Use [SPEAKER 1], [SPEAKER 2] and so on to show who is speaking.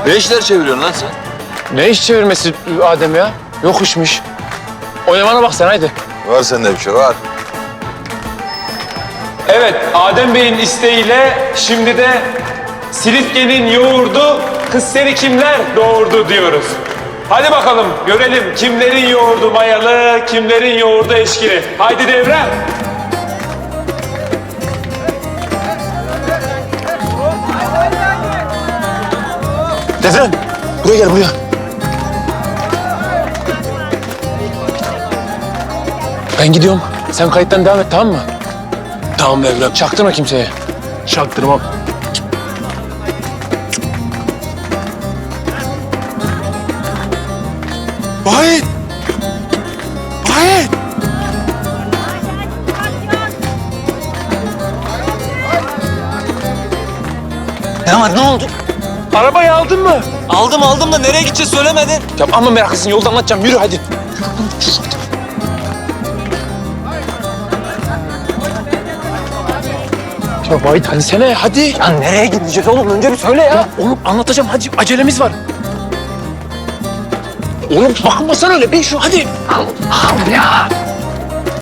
[SPEAKER 1] Ne işler çeviriyorsun lan sen?
[SPEAKER 2] Ne iş çevirmesi Adem ya? Yok işmiş. Oynamana bak sen haydi.
[SPEAKER 1] Var sende bir şey var.
[SPEAKER 2] Evet, Adem Bey'in isteğiyle şimdi de Silifke'nin yoğurdu, kız seni kimler doğurdu diyoruz. Hadi bakalım görelim kimlerin yoğurdu mayalı, kimlerin yoğurdu eşkili. Haydi Devrem. Devrem, buraya gel buraya. Ben gidiyorum. Sen kayıttan devam et, tamam mı? Tamam Devrem. Çaktırma kimseye. Çaktırmam.
[SPEAKER 1] Vahit! Vahit!
[SPEAKER 3] Ne var, ne oldu?
[SPEAKER 2] Arabayı aldın mı?
[SPEAKER 3] Aldım da nereye gideceğiz söylemedin.
[SPEAKER 2] Ya ama meraklısın, yolda anlatacağım. Yürü hadi. Ya Vahit hadi sene hadi.
[SPEAKER 3] Ya nereye gideceğiz oğlum? Önce bir söyle ya.
[SPEAKER 2] Ya oğlum anlatacağım hadi, acelemiz var. Oğlum bakmasana öyle, bin şu hadi.
[SPEAKER 3] Al ya.